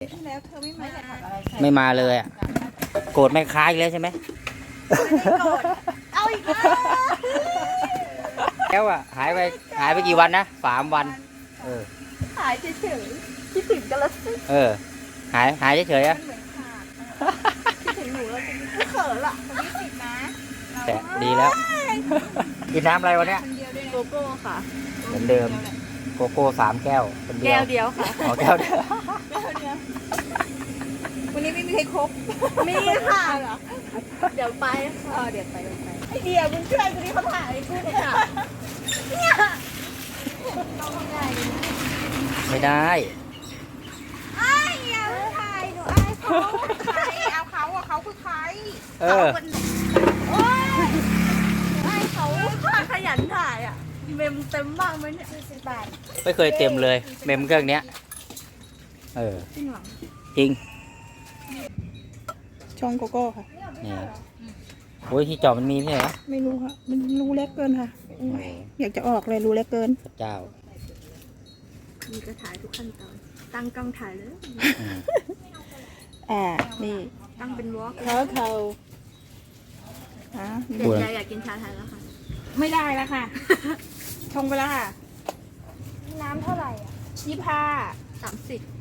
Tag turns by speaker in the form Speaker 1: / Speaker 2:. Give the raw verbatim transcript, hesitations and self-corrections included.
Speaker 1: ที่แล้วเธอไม่มา
Speaker 2: ไม่มาเลยอ่ะโกรธแม่ค้าอีกแล้วใช่ไหม
Speaker 1: ไม่โกรธเอาอีกแล้ว
Speaker 2: แล้วอ่ะหายไปหายไปกี่วันนะสามวันเออ
Speaker 1: หายเฉยๆคิดถึงกันแล้วสิ
Speaker 2: เออหายหายเฉยๆอ่ะ
Speaker 1: มันเหมือนขาดคิดถึงหนูแล้วจะไม่เขินละคนที่สิบนะ
Speaker 2: แต่ดีแล้วกินน้ำอะไรวันเนี้ย
Speaker 1: คนเดียวด้วยโกโก้ค่ะ
Speaker 2: เหมือนเดิมโกโก้สามแก้วคนเดียว
Speaker 1: แก้วเดียวค่ะ
Speaker 2: อ๋อแก้วเดียว
Speaker 1: แก้วเดียววันนี้ไม่มีใครครบมีค่ะเหรอเดี๋ยวไปค่ะเดี๋ยวไปเดี๋ยวไปไอเดียมึงช่วยกูดิเขาถ่ายกูเนี่ยเนี่ยต้องทำไงดี
Speaker 2: ไม่ได้
Speaker 1: ไอ้ยาถ่ายหนูอายเขาใครเอาเขาอะเขาคือใคร
Speaker 2: เออ
Speaker 1: โอ้ยไอ้เขาขยันถ่ายอ่ะเมมเต็มบ้างไหมเนี่ยสิบบาท
Speaker 2: ไม่เคยเต็มเลยเมมเครื่องเนี้ยเออ
Speaker 1: จริงหรอ
Speaker 2: จริง
Speaker 3: ช่องโกโก้ค่ะ
Speaker 2: นี่โอ้ยที่จอมันมีไม่ใช่เหรอ
Speaker 3: ไม่รู้ค่ะ มันรูเล็กเกินค่ะ อยากจะออกเลยรูเล็กเกิน
Speaker 2: พระเจ้า
Speaker 1: มีก็ถ่ายทุกขั้นตอนตั้งกล้องถ่ายเลย
Speaker 2: อืม
Speaker 3: อ่า นี่
Speaker 1: ตั้งเป็นวอล์ก
Speaker 3: เขาเขาอ่ะ
Speaker 1: เด็กใจอยากกินชาไทยแล้วค่ะ
Speaker 3: ไม่ได้แล้วค่ะ ชงไปแล้วค่ะ
Speaker 1: น้ำเท่าไหร่อ่ะ
Speaker 3: ยี่ห้า
Speaker 1: สามสิบ